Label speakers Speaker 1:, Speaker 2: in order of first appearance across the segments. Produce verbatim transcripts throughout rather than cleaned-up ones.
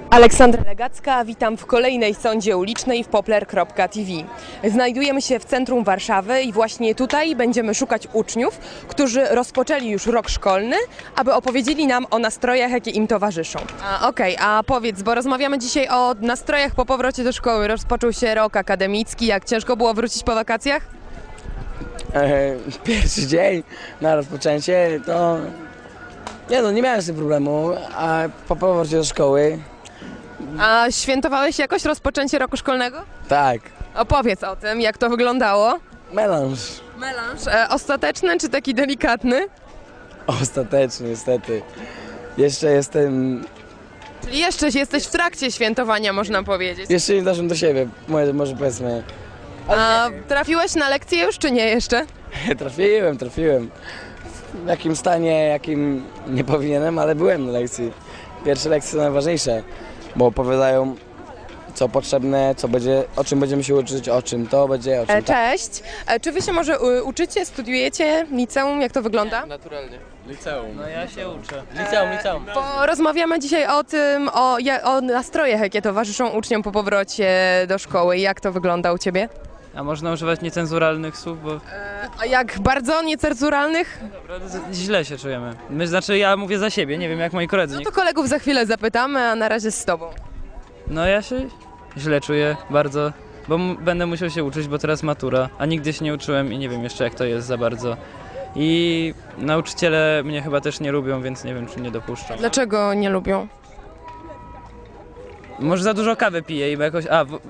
Speaker 1: Aleksandra Legacka, witam w kolejnej sądzie ulicznej w poplar kropka t v. Znajdujemy się w centrum Warszawy i właśnie tutaj będziemy szukać uczniów, którzy rozpoczęli już rok szkolny, aby opowiedzieli nam o nastrojach, jakie im towarzyszą. A, Okej, okay, a powiedz, bo rozmawiamy dzisiaj o nastrojach po powrocie do szkoły. Rozpoczął się rok akademicki, jak ciężko było wrócić po wakacjach?
Speaker 2: E, pierwszy dzień na rozpoczęcie to... Nie no, nie miałem z tym problemu, a po powrocie do szkoły...
Speaker 1: A świętowałeś jakoś rozpoczęcie roku szkolnego?
Speaker 2: Tak,
Speaker 1: Opowiedz o tym, jak to wyglądało.
Speaker 2: melanż.
Speaker 1: Melanż. E, ostateczny czy taki delikatny?
Speaker 2: Ostateczny niestety. Jeszcze jestem...
Speaker 1: Czyli jeszcze jesteś w trakcie świętowania, można powiedzieć.
Speaker 2: Jeszcze nie doszedłem do siebie, może, może powiedzmy.
Speaker 1: A trafiłeś na lekcję już, czy nie jeszcze?
Speaker 2: Trafiłem, trafiłem. W jakim stanie, jakim nie powinienem, ale byłem na lekcji. Pierwsze lekcje są najważniejsze, bo opowiadają, co potrzebne, co będzie, o czym będziemy się uczyć, o czym to będzie, o czym
Speaker 1: E,
Speaker 2: tak.
Speaker 1: Cześć. E, Czy wy się może y, uczycie, studiujecie liceum? Jak to wygląda?
Speaker 3: Naturalnie. Liceum.
Speaker 4: No ja się uczę.
Speaker 3: Liceum, liceum.
Speaker 1: Bo rozmawiamy dzisiaj o tym, o, ja- o nastrojach, jakie towarzyszą uczniom po powrocie do szkoły. Jak to wygląda u ciebie?
Speaker 4: A można używać niecenzuralnych słów, bo
Speaker 1: A jak bardzo niecenzuralnych?
Speaker 4: naprawdę z- źle się czujemy. My, znaczy ja mówię za siebie, nie wiem jak moi koledzy.
Speaker 1: No
Speaker 4: Nie...
Speaker 1: to kolegów za chwilę zapytamy, a na razie z tobą.
Speaker 4: No ja się źle czuję bardzo, bo m- będę musiał się uczyć, bo teraz matura, a nigdy się nie uczyłem i nie wiem jeszcze jak to jest za bardzo. I nauczyciele mnie chyba też nie lubią, więc nie wiem czy nie dopuszczą.
Speaker 1: Dlaczego nie lubią?
Speaker 4: Może za dużo kawy piję i jakoś... A, bo...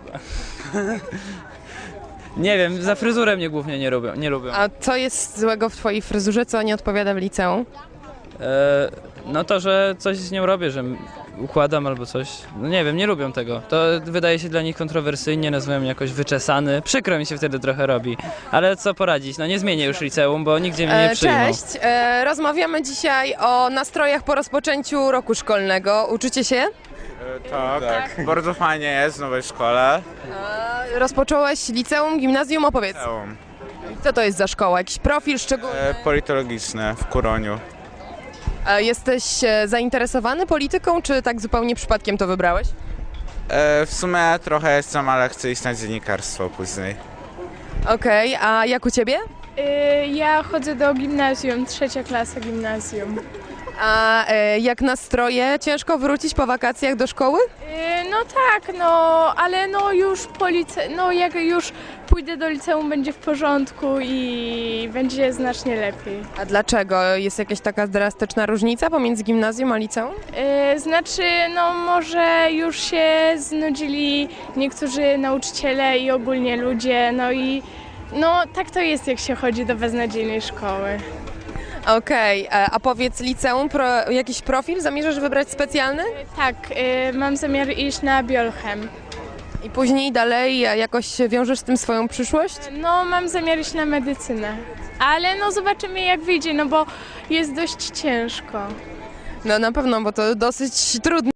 Speaker 4: Nie wiem, za fryzurę mnie głównie nie lubią. Nie lubią.
Speaker 1: A co jest złego w twojej fryzurze, co nie odpowiada w liceum?
Speaker 4: E, no to, że coś z nią robię, że układam albo coś. No nie wiem, nie lubią tego. To wydaje się dla nich kontrowersyjnie, nazywam mnie jakoś wyczesany. Przykro mi się wtedy trochę robi. Ale co poradzić, no nie zmienię już liceum, bo nigdzie mnie nie
Speaker 1: E,
Speaker 4: przyjmą.
Speaker 1: Cześć, e, rozmawiamy dzisiaj o nastrojach po rozpoczęciu roku szkolnego. Uczycie się?
Speaker 5: Tak, tak. Bardzo fajnie jest w nowej szkole.
Speaker 1: E, rozpocząłeś liceum, gimnazjum, opowiedz.
Speaker 5: Liceum.
Speaker 1: Co to jest za szkoła? Jakiś profil szczególny?
Speaker 5: E, politologiczne w Kuroniu.
Speaker 1: E, jesteś e, zainteresowany polityką, czy tak zupełnie przypadkiem to wybrałeś?
Speaker 5: E, w sumie trochę jestem, ale chcę iść na dziennikarstwo później.
Speaker 1: Okej, a jak u ciebie?
Speaker 6: Y, Ja chodzę do gimnazjum, trzecia klasa gimnazjum.
Speaker 1: A e, jak nastroje? Ciężko wrócić po wakacjach do szkoły?
Speaker 6: Y, No tak, no, ale no już po lice, no jak już pójdę do liceum będzie w porządku i będzie znacznie lepiej.
Speaker 1: A dlaczego? Jest jakaś taka drastyczna różnica pomiędzy gimnazjum a liceum?
Speaker 6: Y, Znaczy, no może już się znudzili niektórzy nauczyciele i ogólnie ludzie, no i no tak to jest jak się chodzi do beznadziejnej szkoły.
Speaker 1: Okej, e, a powiedz liceum, pro, jakiś profil zamierzasz wybrać specjalny?
Speaker 6: Tak, y, mam zamiar iść na biolchem.
Speaker 1: I później dalej e, jakoś wiążesz z tym swoją przyszłość?
Speaker 6: No, mam zamiar iść na medycynę, ale no zobaczymy jak wyjdzie, no bo jest dość ciężko.
Speaker 1: No na pewno, bo to dosyć trudne.